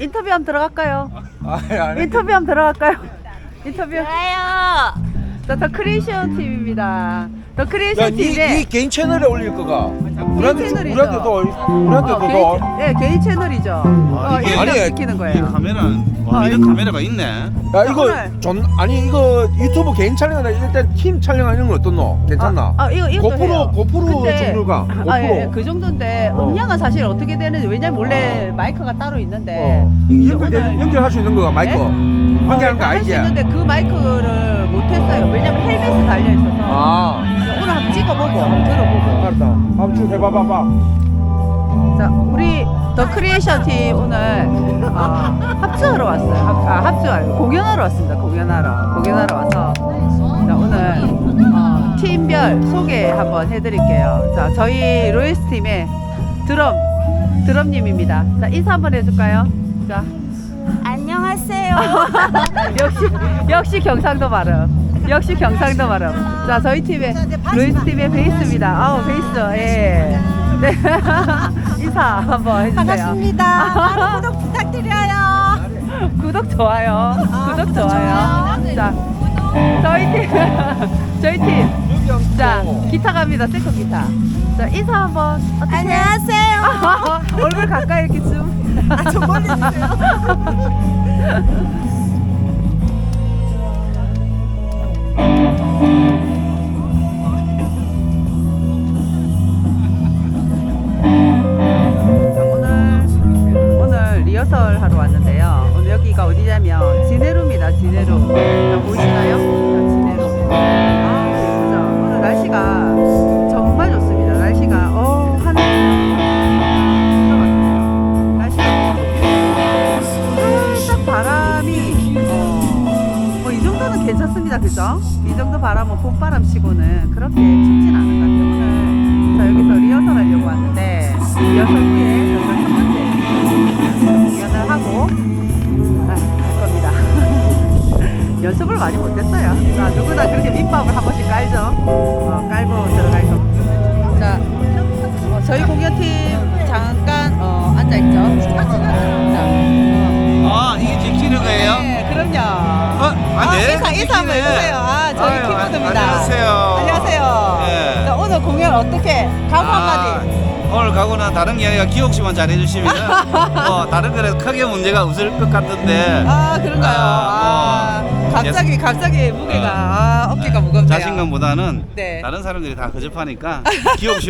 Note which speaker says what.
Speaker 1: 인터뷰 한번 들어갈까요?
Speaker 2: 아니.
Speaker 1: 인터뷰 한번 들어갈까요? 인터뷰.
Speaker 3: 좋아요.
Speaker 1: 더 크리에이션 팀입니다. 더
Speaker 2: 야,
Speaker 1: 크리에이션 팀에
Speaker 2: 네 개인 채널에 올릴 거가.
Speaker 1: 채널이죠.
Speaker 2: 우리한테도
Speaker 1: 네, 개인 채널이죠.
Speaker 2: 이게-
Speaker 1: 이렇게
Speaker 2: 아니,
Speaker 1: 시키는
Speaker 4: 이
Speaker 1: 거예요.
Speaker 4: 카메라는
Speaker 1: 아,
Speaker 4: 이런 카메라가 있네.
Speaker 2: 야 이거
Speaker 1: 오늘.
Speaker 2: 아니 이거 유튜브 개인 촬영이나 일단 팀 촬영하는 건 어떻노? 괜찮나?
Speaker 1: 이것도
Speaker 2: 고프로
Speaker 1: 근데-
Speaker 2: 정도가 고프로.
Speaker 1: 예, 그 정도인데 음량은 사실 어떻게 되는지 왜냐면 원래 마이크가 따로 있는데 오늘-
Speaker 2: 연결할 수 있는 거가 마이크.
Speaker 1: 네?
Speaker 2: 연결하는 거
Speaker 1: 할수
Speaker 2: 아니지?
Speaker 1: 있는데 그 마이크를 못했어요. 왜냐면 헬멧이 달려 있어서.
Speaker 2: 아,
Speaker 1: 오늘 한번 찍어보고 한번 들어보고.
Speaker 2: 알았다. 한번 쭉 해봐봐봐.
Speaker 1: 자, 우리 더 크리에이션 팀 오늘 합주하러 왔어요. 합주 아니고 공연하러 왔습니다. 공연하러 와서 자, 오늘 팀별 소개 한번 해드릴게요. 자, 저희 로이스 팀의 드럼님입니다. 자, 인사 한번 해줄까요? 자,
Speaker 3: 안녕하세요.
Speaker 1: 역시 경상도 발음. 자, 저희 팀의 로이스 팀의 베이스입니다. 아우, 베이스. 예. 네. 인사 한번 해주세요.
Speaker 3: 반갑습니다. 많은 구독 부탁드려요.
Speaker 1: 구독 좋아요. 자, 저희 팀. 자, 기타 갑니다. 세컨 기타. 자, 인사 한번. 어떡해?
Speaker 3: 안녕하세요.
Speaker 1: 얼굴 가까이 이렇게 좀.
Speaker 3: 좀 멀리 주세요.
Speaker 1: 오늘 리허설 하러 왔는데요. 오늘 여기가 어디냐면 지네루입니다. 지네루. 자, 보이시나요? 자, 지네루. 아, 예쁘죠? 오늘 날씨가 정말 좋습니다. 날씨가 하늘 날씨가 살짝 바람이 뭐 이 정도는 괜찮습니다. 그죠? 이 정도 바람은 봄바람 치고는 그렇게 춥진 않은 것 같아요. 오늘 자, 여기서 리허설 하려고 왔는데 리허설 후에 저희가 첫 번째 공연을 하고 갈 겁니다. 연습을 많이 못했어요. 자, 누구나 그렇게 밑밥을 한 번씩 깔죠. 깔고 들어갈 겁니다. 자, 저희 공연팀 잠깐 앉아있죠. 자,
Speaker 4: 아, 이게 찍히는 거예요?
Speaker 1: 네, 그럼요. 인사 한번 해주세요. 저희
Speaker 4: 아유,
Speaker 1: 키보드입니다.
Speaker 4: 안녕하세요.
Speaker 1: 안녕하세요.
Speaker 4: 예.
Speaker 1: 자, 오늘 공연 어떻게? 각오 한마디.
Speaker 4: 오늘 가고는 다른 이야기가 기억씨만 잘해주시면 다른 거에 크게 문제가 없을 것 같은데
Speaker 1: 그런가요? 갑자기 무게가 어깨가 무겁네요.
Speaker 4: 자신감보다는
Speaker 1: 네.
Speaker 4: 다른 사람들이 다 거접하니까 기억씨